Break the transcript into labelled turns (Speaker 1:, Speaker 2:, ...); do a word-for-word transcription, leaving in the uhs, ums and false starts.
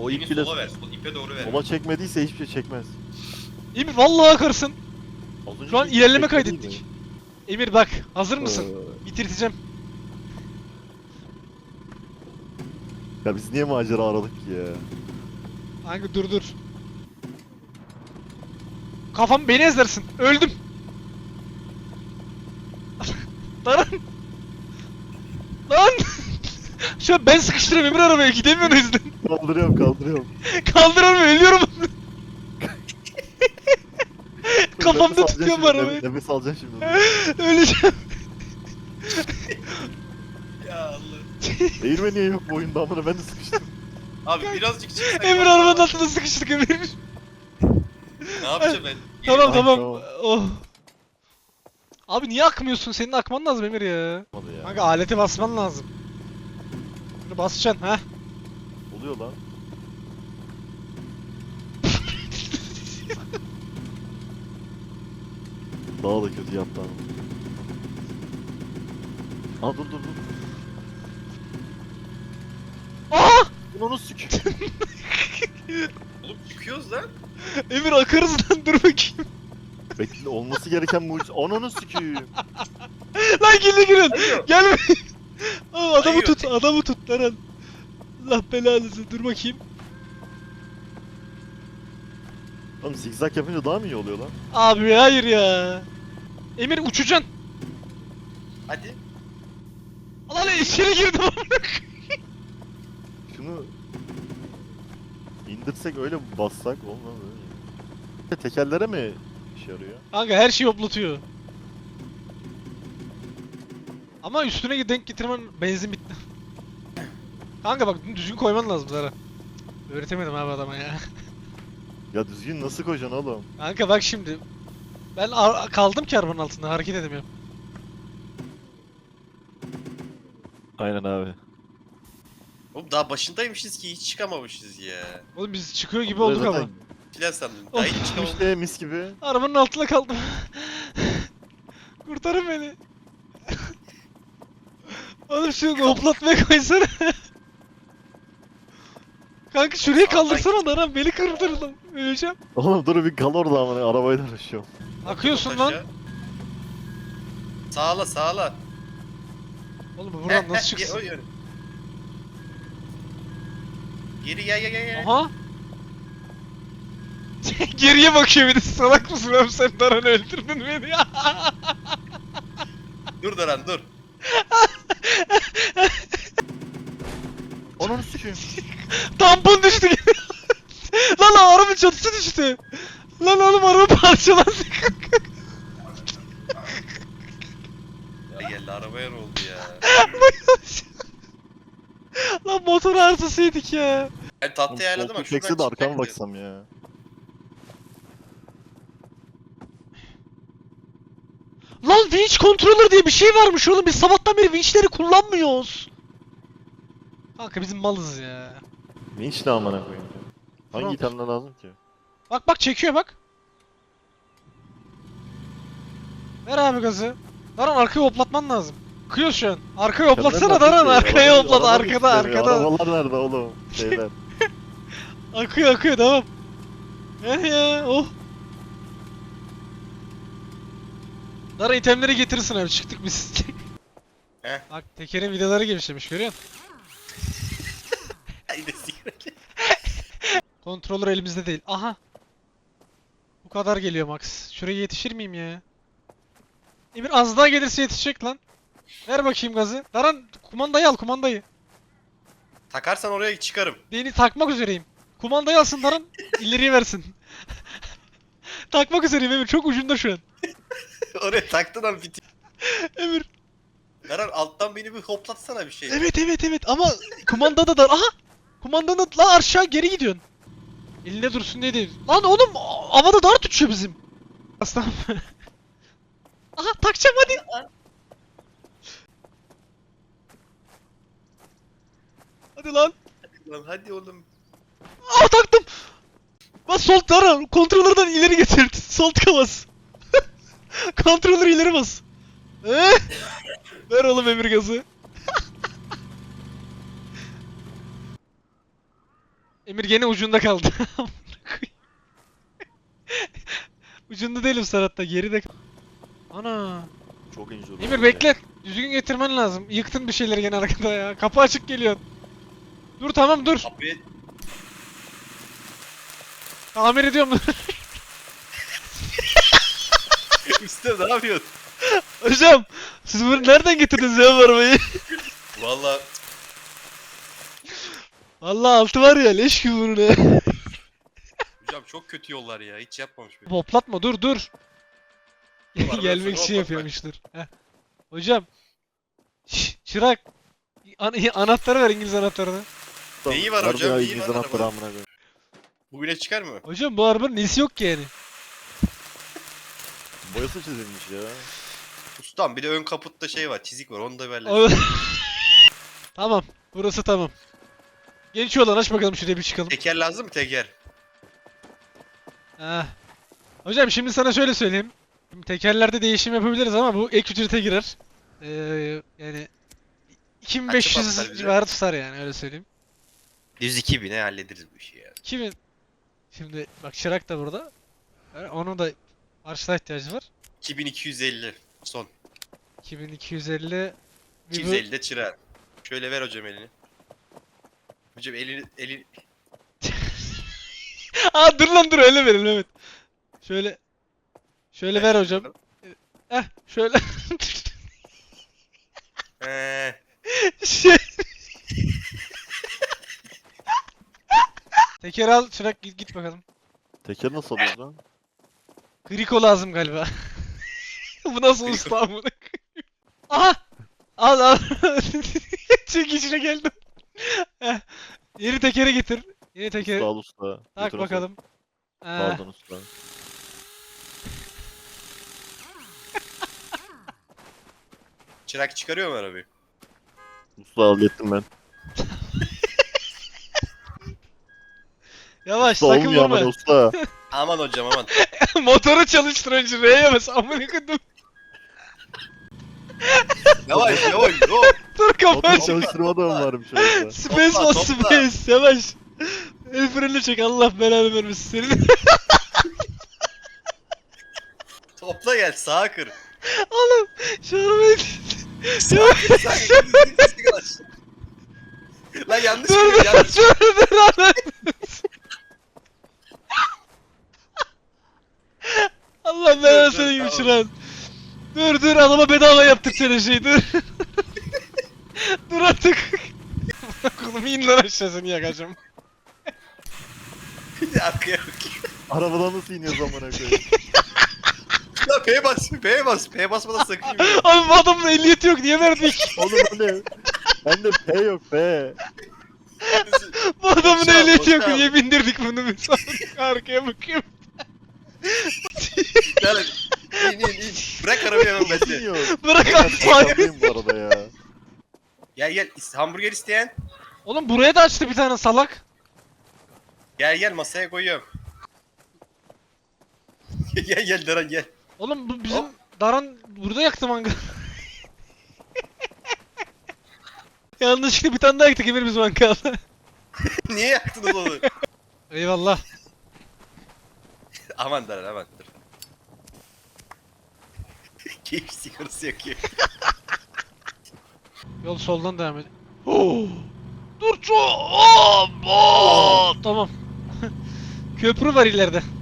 Speaker 1: O ip
Speaker 2: İpi
Speaker 1: bile
Speaker 2: sola ver. Sol ipe doğru ver.
Speaker 1: sola çekmediyse hiçbir şey çekmez.
Speaker 3: Emir vallahi akarsın.
Speaker 1: Az önce
Speaker 3: Şu an
Speaker 1: hiç
Speaker 3: ilerleme
Speaker 1: çekmedi
Speaker 3: kaydettik.
Speaker 1: mi?
Speaker 3: Emir bak, hazır mısın?
Speaker 1: Ee,
Speaker 3: Bitirteceğim.
Speaker 1: Ya biz niye macera aradık ki ya?
Speaker 3: Hangi dur dur. Kafam beni ezersin. Öldüm. Lan. Lan. Şu an ben sıkıştırıyorum Emir arabaya gidemiyor o yüzden.
Speaker 1: Kaldırıyorum kaldırıyorum.
Speaker 3: Kaldıramıyorum, ölüyorum. Kafamda
Speaker 1: Nefes alacaksın
Speaker 3: tutuyorum
Speaker 1: şimdi,
Speaker 3: arabayı.
Speaker 1: Nefes, nefes alacaksın şimdi.
Speaker 3: Öleceğim.
Speaker 2: Ya Allah.
Speaker 1: Eğirme niye yok bu oyunda amına, ben de sıkıştım.
Speaker 2: Abi birazcık çıksak.
Speaker 3: Emir arabanın altında sıkıştık Emir.
Speaker 2: Ne yapacağım ben?
Speaker 3: Tamam
Speaker 1: Ay,
Speaker 3: tamam.
Speaker 1: tamam.
Speaker 3: Oh. Abi niye akmıyorsun? Senin akman lazım Emir ya.
Speaker 1: Olmadı ya.
Speaker 3: Kanka aleti basman lazım. Bunu basacaksın ha.
Speaker 1: Oluyor lan. Daha da kötü yaptı ama. Aa dur dur dur.
Speaker 3: Aa!
Speaker 1: Bunu onu sük.
Speaker 2: Oğlum çıkıyoruz lan.
Speaker 3: Emir akarız lan, dur bakayım.
Speaker 1: Bekle, olması gereken mucize. Onu onu süküyüm.
Speaker 3: Lan gel girin.
Speaker 2: Hayır.
Speaker 3: Gelme. Aa, adamı
Speaker 2: Hayır.
Speaker 3: tut, adamı tut Eren. Allah belanızı, dur bakayım.
Speaker 1: Oğlum zigzag yapınca daha mı iyi oluyor lan?
Speaker 3: Abi hayır ya. Emir uçacaksın.
Speaker 2: Hadi.
Speaker 3: Lan içeri girdim.
Speaker 1: Şunu indirsek öyle bassak olmaz öyle. Tekerlere mi işe yarıyor?
Speaker 3: Kanka her şeyi hoplatıyor. Ama üstüne denk getirmen benzin bitti. Kanka bak düzgün koyman lazım Zara. Öğretemedim abi adama ya.
Speaker 1: Ya düzgün nasıl koyacaksın oğlum?
Speaker 3: Kanka bak şimdi. Ben ar- kaldım ki arabanın altında, hareket edemiyorum.
Speaker 1: Aynen abi.
Speaker 2: Oğlum daha başındaymışız ki hiç çıkamamışız ya.
Speaker 3: Oğlum biz çıkıyor gibi olduk
Speaker 1: Zaten
Speaker 3: ama.
Speaker 2: Filan sandım. Daha
Speaker 3: Of.
Speaker 2: hiç çıkamamışız.
Speaker 1: İşte mis gibi.
Speaker 3: Arabanın altında kaldım. Kurtarın beni. Oğlum şu hoplatmaya koysana. Kanka şuraya kaldırsana da lan, beni kırdırdın. Öleceğim.
Speaker 1: Oğlum dur bir kal orada ama arabayla uğraşıyorum.
Speaker 3: Akıyorsun lan.
Speaker 2: Sağla sağla.
Speaker 3: Oğlum bu buradan
Speaker 2: Heh,
Speaker 3: nasıl
Speaker 2: heh,
Speaker 3: çıksın?
Speaker 2: o yön. Geri gel gel gel. gel.
Speaker 3: Aha. Geriye bakıyor bir de, salak mısın oğlum sen, Daran öldürdün beni ya.
Speaker 2: Dur Daran dur.
Speaker 1: Onu süküyüm.
Speaker 3: Tampon düştü gene. Lan lan arabanın çatısı düştü. Lan oğlum araba parçalandı.
Speaker 2: Ya geldi arabaya ne oldu ya?
Speaker 3: Lan motor arızasıydık ya.
Speaker 2: Ben tahtayı ayarladım ama şuradan
Speaker 1: Çekse de arkama
Speaker 2: çıkacak
Speaker 1: baksam ya.
Speaker 3: Lan winch controller diye bir şey varmış oğlum, biz sabahtan beri winchleri kullanmıyoruz. Kanka bizim malız ya.
Speaker 1: Vinç ne amına koyayım. Hangi
Speaker 3: Tamam.
Speaker 1: itemler lazım ki?
Speaker 3: Bak bak çekiyor bak. Ver abi gazı. Daran arkaya hoplatman lazım. Kıyor şu an. Arkaya hoplatsana Daran, arkaya hoplat, arkada arkada.
Speaker 1: Arabalar nerede oğlum? Şeyler.
Speaker 3: Akıyor akıyor, devam. Eh ya, oh. Daran itemleri getirirsin abi, çıktık biz.
Speaker 2: Heh.
Speaker 3: Bak tekerin vidaları genişlemiş, görüyor musun?
Speaker 2: Haydi sigara.
Speaker 3: Controller elimizde değil. Aha. Bu kadar geliyor Max. Şuraya yetişir miyim ya? Emir az daha gelirse yetişecek lan. Ver bakayım gazı. Daran kumandayı al, kumandayı.
Speaker 2: Takarsan oraya çıkarım.
Speaker 3: Beni takmak üzereyim. Kumandayı alsın Daran, ileriye versin. Takmak üzereyim Emir, çok ucunda şu an.
Speaker 2: Oraya taktın abi biti.
Speaker 3: Emir.
Speaker 2: Daran alttan beni bir hoplatsana bir şey.
Speaker 3: Evet evet evet ama kumandada da... Aha! Kumandanın la aşağı geri gidiyorsun. Elinde dursun diye değil. Lan oğlum havada dar tutuyor bizim. Aslan. Aha takacağım hadi. Hadi lan.
Speaker 2: Lan hadi oğlum.
Speaker 3: Aa taktım. Bas sol tara. Kontrollerden ileri getir. Sol tıka bas. Kontrolleri ileri bas. Eh? Ver oğlum Emir gazı. Emir gene ucunda kaldı. Ucunda değilim Serhat'ta, geride kal- Ana.
Speaker 1: Çok injur.
Speaker 3: Emir bekle. Düzgün getirmen lazım. Yıktın bir şeyleri gene arkada ya. Kapı açık geliyor. Dur tamam dur.
Speaker 2: Kapıyı
Speaker 3: Tamir ediyorum.
Speaker 2: usta ne yapıyorsun?
Speaker 3: Hocam siz bunu nereden getirdiniz ya bu arabayı?
Speaker 2: Valla
Speaker 3: Vallahi altı var ya leş gibi bunun ya.
Speaker 2: hocam çok kötü yollar ya. Hiç yapmamış böyle.
Speaker 3: Hoplatma dur dur.
Speaker 2: Var,
Speaker 3: Gelmek
Speaker 2: ben
Speaker 3: için
Speaker 2: sana
Speaker 3: yapıyormuştur. Heh. Hocam. Şş, çırak. An anahtarı ver, İngiliz anahtarını.
Speaker 2: Neyi var hocam,
Speaker 1: Ya,
Speaker 2: neyi
Speaker 1: İngiliz
Speaker 2: var
Speaker 1: anahtarı
Speaker 2: arabada?
Speaker 1: amına koyayım.
Speaker 2: Bugüne çıkar mı?
Speaker 3: Hocam bu arabanın nesi yok ki yani?
Speaker 1: Boyası çizilmiş ya.
Speaker 2: Ustam bir de ön kaputta şey var, çizik var. Onu da ver.
Speaker 3: O- Tamam. Burası tamam. Genç olan aç bakalım şuraya bir çıkalım.
Speaker 2: Teker lazım mı teker?
Speaker 3: Heh. Hocam şimdi sana şöyle söyleyeyim. Şimdi tekerlerde değişim yapabiliriz ama bu ek ücrete girer. Ee, yani iki bin beş
Speaker 2: Kaça patlar
Speaker 3: yüz
Speaker 2: bize?
Speaker 3: civarı tutar yani öyle söyleyeyim.
Speaker 2: yüz iki bine hallederiz bu işi ya.
Speaker 3: iki bin. Şimdi bak Çırak da burada. Yani onun da parçala ihtiyacı var.
Speaker 2: iki bin iki yüz elli son.
Speaker 3: iki bin iki yüz elli. Bir
Speaker 2: iki
Speaker 3: bu-
Speaker 2: yüz elli de çırar. Şöyle ver hocam elini. Hocam elini elini
Speaker 3: Aa dur lan dur öyle verin evet. Şöyle. Şöyle ver hocam. Eh şöyle.
Speaker 2: Eee,
Speaker 3: Şey. Teker al Çırak git, git bakalım.
Speaker 1: Teker nasıl alıyoruz lan?
Speaker 3: Griko lazım galiba. Bu nasıl
Speaker 2: Griko.
Speaker 3: usta amına koyayım? Aha! Al al. Çekişine geldim. Heh. Yeni tekere getir. Yeni teker.
Speaker 1: Usta al usta.
Speaker 3: Tak
Speaker 1: Götür
Speaker 3: bakalım.
Speaker 1: usta.
Speaker 3: Heh.
Speaker 1: Pardon usta.
Speaker 2: çırak çıkarıyor mu arabayı?
Speaker 1: Usta hallettim ben.
Speaker 3: Yavaş
Speaker 1: Usta
Speaker 3: sakın
Speaker 1: olmuyor ama
Speaker 3: vurma.
Speaker 1: usta.
Speaker 2: Aman hocam aman.
Speaker 3: Motoru çalıştır önce R'ye bas. Amına koydum.
Speaker 2: Yavaş yavaş yo.
Speaker 3: Dur kapat.
Speaker 1: Motor çalıştırma da mı varmış orada?
Speaker 3: Space
Speaker 2: Topla,
Speaker 3: bas
Speaker 2: topla.
Speaker 3: space. Yavaş. El freni çek Allah belanı vermesin senin.
Speaker 2: Topla gel sağa kır.
Speaker 3: Oğlum şu arabayı...
Speaker 2: Sağa kır sağa kır. Lan yanlış
Speaker 3: Dur
Speaker 2: kır
Speaker 3: dur
Speaker 2: yanlış.
Speaker 3: dur dur Allah. Allah belanı
Speaker 2: dur,
Speaker 3: senin gibi
Speaker 2: tamam.
Speaker 3: çıran. Dur dur adama bedava yaptık seni şey dur. Dur artık. Kulum in lan aşağısını yakacağım.
Speaker 2: Arkaya bak.
Speaker 1: Arabadan nasıl iniyor zamana koyayım?
Speaker 2: Ya P bas P bas P basmadan sakın yürü.
Speaker 3: Abi bu adamın ehliyeti yok niye verdik?
Speaker 1: Oğlum öyle. Bende P yok P.
Speaker 3: Bu adamın
Speaker 2: Boşal,
Speaker 3: ehliyeti yok
Speaker 2: boşal.
Speaker 3: niye bindirdik bunu biz? Arkaya bakıyorum.
Speaker 2: Gel in in in. Bırak arabayı hemen
Speaker 1: Nasıl
Speaker 2: bende.
Speaker 1: iniyor?
Speaker 3: Bırak
Speaker 1: Ben
Speaker 3: abi.
Speaker 1: sakandayım bu arada ya.
Speaker 2: Gel gel is- hamburger isteyen.
Speaker 3: Oğlum buraya da açtı bir tane salak.
Speaker 2: Gel gel masaya koyuyorum. gel gel Daran gel.
Speaker 3: Oğlum bu bizim
Speaker 2: Hop.
Speaker 3: Daran burada yaktı mangal. Yanlışlıkla bir tane daha yaktık Emir biz mangalda.
Speaker 2: Niye yaktınız onu?
Speaker 3: Eyvallah.
Speaker 2: aman Daran aman dur. Keyif sigarası yakıyor.
Speaker 3: Yol soldan devam et. Oh! Dur ço! Oh! Oh! Tamam. Köprü var ileride.